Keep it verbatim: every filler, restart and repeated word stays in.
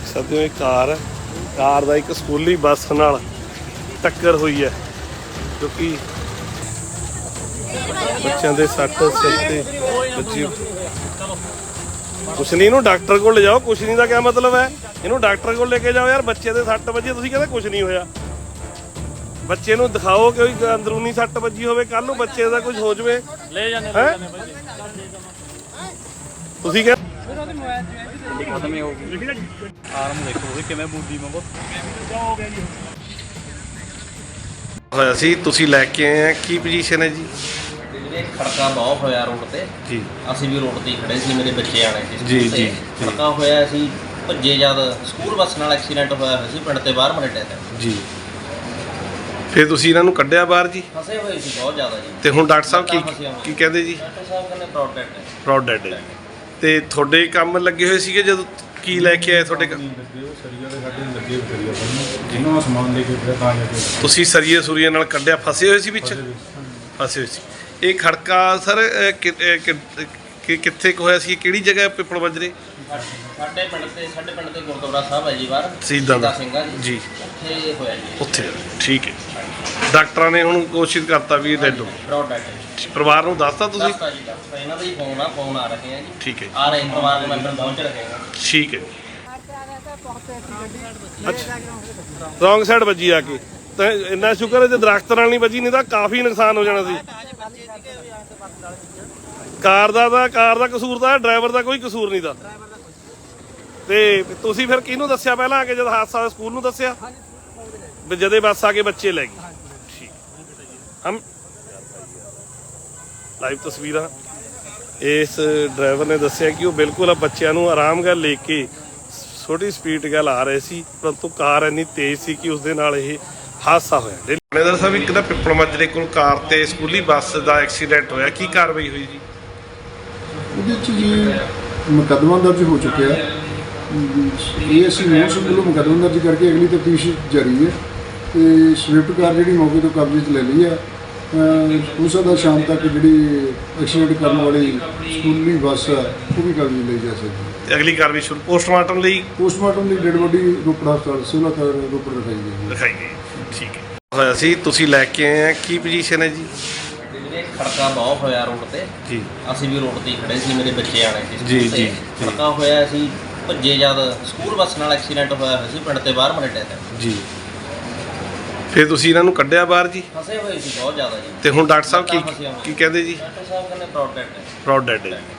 ਸਕਦੇ ਹੋ ਇਹ ਕਾਰ ਹੈ, ਕਾਰ ਦਾ ਇੱਕ ਸਕੂਲੀ ਬੱਸ ਨਾਲ ਟੱਕਰ ਹੋਈ ਹੈ ਜੋ ਕਿ ਬੱਚਿਆਂ ਦੇ ਸੱਟ ਸਿਰ ਤੇ ਵੱਜੀ। ਕੁਛ ਨਹੀਂ, ਇਹਨੂੰ ਡਾਕਟਰ ਕੋਲ ਲੈ ਜਾਓ। ਕੁਛ ਨਹੀਂ ਦਾ ਕਿਆ ਮਤਲਬ ਹੈ? ਇਹਨੂੰ ਡਾਕਟਰ ਕੋਲ ਲੈ ਕੇ ਜਾਓ ਯਾਰ। ਬੱਚੇ ਦੇ ਸੱਟ ਵੱਜੀ, ਤੁਸੀਂ ਕਹਿੰਦੇ ਕੁਛ ਨਹੀਂ ਹੋਇਆ। ਬੱਚੇ ਨੂੰ ਦਿਖਾਓ ਕਿ ਕੋਈ ਅੰਦਰੂਨੀ ਸੱਟ ਵੱਜੀ ਹੋਵੇ, ਕੱਲ ਨੂੰ ਬੱਚੇ ਦਾ ਕੁਝ ਹੋ ਜਾਵੇ। ਲੈ ਜਾਂਦੇ ਹੈ ਤੁਸੀਂ ਕਹਿੰਦੇ ਖਤਮ ਹੀ ਹੋ ਗਈ। ਆਰਮ ਦੇਖੋ ਕਿਵੇਂ ਬੂਦੀ ਮੰਗੋ ਹੋਇਆ ਸੀ। ਤੁਸੀਂ ਲੈ ਕੇ ਆਏ ਆ, ਕੀ ਪੋਜੀਸ਼ਨ ਹੈ ਜੀ? ਜਿਹੜੇ ਖੜਕਾ ਬਹੁਤ ਹੋਇਆ ਰੋਡ ਤੇ ਜੀ, ਅਸੀਂ ਵੀ ਰੋਡ ਤੇ ਖੜੇ ਸੀ, ਮੇਰੇ ਬੱਚੇ ਆਣੇ ਸੀ ਜੀ ਜੀ ਖੜਕਾ ਹੋਇਆ ਸੀ। ਭੱਜੇ ਜਦ ਸਕੂਲ ਬੱਸ ਨਾਲ ਐਕਸੀਡੈਂਟ ਹੋਇਆ ਹੋਇਆ ਸੀ ਪਿੰਡ ਤੇ ਬਾਹਰ ਮਰੇਟੇ ਤੇ ਜੀ। ਫਿਰ ਤੁਸੀਂ ਇਹਨਾਂ ਨੂੰ ਕੱਢਿਆ ਬਾਹਰ ਜੀ? ਫਸੇ ਹੋਏ ਸੀ ਬਹੁਤ ਜ਼ਿਆਦਾ ਜੀ। ਤੇ ਹੁਣ ਡਾਕਟਰ ਸਾਹਿਬ ਕੀ ਕੀ ਕਹਿੰਦੇ ਜੀ? ਡਾਕਟਰ ਸਾਹਿਬ ਕਹਿੰਦੇ ਪ੍ਰੋਡ ਡੈਡ ਹੈ। ਪ੍ਰੋਡ ਡੈਡ ਹੈ। ਤੇ ਤੁਹਾਡੇ ਕੰਮ ਲੱਗੇ ਹੋਏ ਸੀਗੇ ਜਦੋਂ ਕੀ ਲੈ ਕੇ ਆਏ ਤੁਹਾਡੇ ਕੰਮ? ਜਿਹਨਾਂ ਸਮਾਨ ਲੈ ਕੇ ਫਿਰ ਤਾਂ ਜਾ ਕੇ ਤੁਸੀਂ ਸਰੀਏ ਸੁਰੀਏ ਨਾਲ ਕੱਢਿਆ, ਫਸੇ ਹੋਏ ਸੀ ਵਿੱਚ? ਫਸੇ ਹੋਏ ਸੀ। ਇਹ ਖੜਕਾ ਸਰ ਕਿੱਥੇ ਕੁ ਹੋਇਆ ਸੀ? ਕਿਹੜੀ ਜਗ੍ਹਾ ਪਿੱਪਲ ਬੱਜਰੇ? ਸਾਡੇ ਪਿੰਡ ਤੇ ਸਾਡੇ ਪਿੰਡ ਤੇ ਗੁਰਦੁਆਰਾ ਸਾਹਿਬ ਹੈ ਜੀ ਬਾਹਰ ਸ਼ਹੀਦਾਂ ਦਾ ਸਿੰਘਾਂ ਜੀ, ਉੱਥੇ ਹੋਇਆ ਜੀ। ਉੱਥੇ ਠੀਕ ਹੈ। ਡਾਕਟਰਾਂ ਨੇ ਹੁਣ ਕੋਸ਼ਿਸ਼ ਕਰਤਾ ਵੀ ਡੈਡ ਹੋ। ਪ੍ਰੋਡ ਡੈਡ ਹੈ। ਪਰਿਵਾਰ ਨੂੰ ਦੱਸਤਾ ਤੁਸੀਂ? ਦੱਸਤਾ ਜੀ, ਦੱਸਤਾ। ਇਹਨਾਂ ਦਾ ਹੀ ਫੋਨ ਆ, ਫੋਨ ਆ ਰਹੇ ਆ ਜੀ। ਠੀਕ ਹੈ, ਆ ਰਹੇ ਪਰਿਵਾਰ ਦੇ ਮੈਂਬਰ ਪਹੁੰਚ ਰਹੇ ਆ। ਠੀਕ ਹੈ। ਅੱਛਾ, ਰੌਂਗ ਸਾਈਡ ਵੱਜੀ ਆ ਕੇ। ਤਾਂ ਇੰਨਾ ਸ਼ੁਕਰ ਹੈ ਜੇ ਦਰਖਤ ਨਾਲ ਨਹੀਂ ਵੱਜੀ, ਨਹੀਂ ਤਾਂ ਕਾਫੀ ਨੁਕਸਾਨ ਹੋ ਜਾਣਾ ਸੀ। ਕਾਰ ਦਾ ਤਾਂ ਕਾਰ ਦਾ ਕਸੂਰ ਤਾਂ ਡਰਾਈਵਰ ਦਾ ਕੋਈ ਕਸੂਰ ਨਹੀਂ ਦਾ। ਤੇ ਤੁਸੀਂ ਫਿਰ ਕਿਹਨੂੰ ਦੱਸਿਆ ਪਹਿਲਾਂ ਆ ਕੇ? ਜਦ ਹਾਦਸਾ ਹੋਇਆ ਸਕੂਲ ਨੂੰ ਦੱਸਿਆ? ਵੀ ਜਦੇ ਬੱਸ ਆ ਕੇ ਬੱਚੇ ਲੈ ਗਈ। ਠੀਕ, ਹਮ ਲਾਈਵ ਤਸਵੀਰਾਂ। ਇਸ ਡਰਾਈਵਰ ਨੇ ਦੱਸਿਆ ਕਿ ਉਹ ਬਿਲਕੁਲ ਬੱਚਿਆਂ ਨੂੰ ਆਰਾਮ ਨਾਲ ਲੈ ਕੇ ਛੋਟੀ ਸਪੀਡ ਗੱਲ ਆ ਰਹੇ ਸੀ, ਪਰੰਤੂ ਕਾਰ ਇੰਨੀ ਤੇਜ਼ ਸੀ ਕਿ ਉਸਦੇ ਨਾਲ ਇਹ ਹਾਦਸਾ ਹੋਇਆ। ਥਾਣੇਦਾਰ ਸਾਹਿਬ, ਇੱਕ ਤਾਂ ਪਿੱਪਲ ਮਾਜਰੇ ਕੋਲ ਕਾਰ ਤੇ ਸਕੂਲੀ ਬੱਸ ਦਾ ਐਕਸੀਡੈਂਟ ਹੋਇਆ, ਕੀ ਕਾਰਵਾਈ ਹੋਈ ਜੀ? ਉਹਦੇ 'ਚ ਜੀ ਮੁਕੱਦਮਾ ਦਰਜ ਹੋ ਚੁੱਕਿਆ। ਇਹ ਅਸੀਂ ਮੋਹਰ ਵੱਲੋਂ ਮੁਕੱਦਮਾ ਦਰਜ ਕਰਕੇ ਅਗਲੀ ਤਫਤੀਸ਼ ਜਾਰੀ ਹੈ। ਤੇ ਸਵਿਫਟ ਕਾਰ ਜਿਹੜੀ ਮੌਕੇ ਤੋਂ ਕਬਜ਼ੇ 'ਚ ਲੈ ਲਈ ਆ। ਹੋ ਸਕਦਾ ਸ਼ਾਮ ਤੱਕ ਜਿਹੜੀ ਐਕਸੀਡੈਂਟ ਕਰਨ ਵਾਲੀ ਸਕੂਲੀ ਬੱਸ ਆ ਉਹ ਵੀ ਕਬਜ਼ੇ ਲਈ ਜਾ ਸਕਦੀ ਹੈ। ਅਗਲੀ ਕਾਰਵਾਈ ਸ਼ੁਰੂ ਪੋਸਟਮਾਰਟਮ ਲਈ ਪੋਸਟਮਾਰਟਮ ਲਈ ਡੈਡ ਬੋਡੀ ਰੋਪੜ ਹਸਪਤਾਲ ਸਿਵਲ ਹਸਪਤਾਲ ਰੋਪੜ ਰਖਾਈ ਗਈ ਦਿਖਾਈ ਗਈ। ਠੀਕ ਹੈ। ਹੋਇਆ ਸੀ, ਤੁਸੀਂ ਲੈ ਕੇ ਆਏ ਆ, ਕੀ ਪੋਜੀਸ਼ਨ ਹੈ ਜੀ? ਜਿਹੜੇ ਖੜਕਾ ਬਹੁਤ ਹੋਇਆ ਰੋਡ ਤੇ ਜੀ, ਅਸੀਂ ਵੀ ਰੋਡ ਤੇ ਖੜੇ ਸੀ, ਮੇਰੇ ਬੱਚੇ ਆਣੇ ਸੀ ਜੀ ਜੀ। ਖੜਕਾ ਹੋਇਆ ਸੀ। ਭੱਜੇ ਜਦ ਸਕੂਲ ਬੱਸ ਨਾਲ ਐਕਸੀਡੈਂਟ ਹੋਇਆ ਹੋਇਆ ਸੀ ਪਿੰਡ ਤੇ ਬਾਹਰ ਮਰੇਟੇ ਤੇ ਜੀ। ਫਿਰ ਤੁਸੀਂ ਇਹਨਾਂ ਨੂੰ ਕੱਢਿਆ ਬਾਹਰ ਜੀ? ਫਸੇ ਹੋਏ ਸੀ ਬਹੁਤ ਜ਼ਿਆਦਾ ਜੀ। ਤੇ ਹੁਣ ਡਾਕਟਰ ਸਾਹਿਬ ਕੀ ਕੀ ਕਹਿੰਦੇ ਜੀ? ਡਾਕਟਰ ਸਾਹਿਬ ਕਹਿੰਦੇ ਪ੍ਰੋਡ ਡੈਡ ਹੈ। ਪ੍ਰੋਡ ਡੈਡ ਹੈ।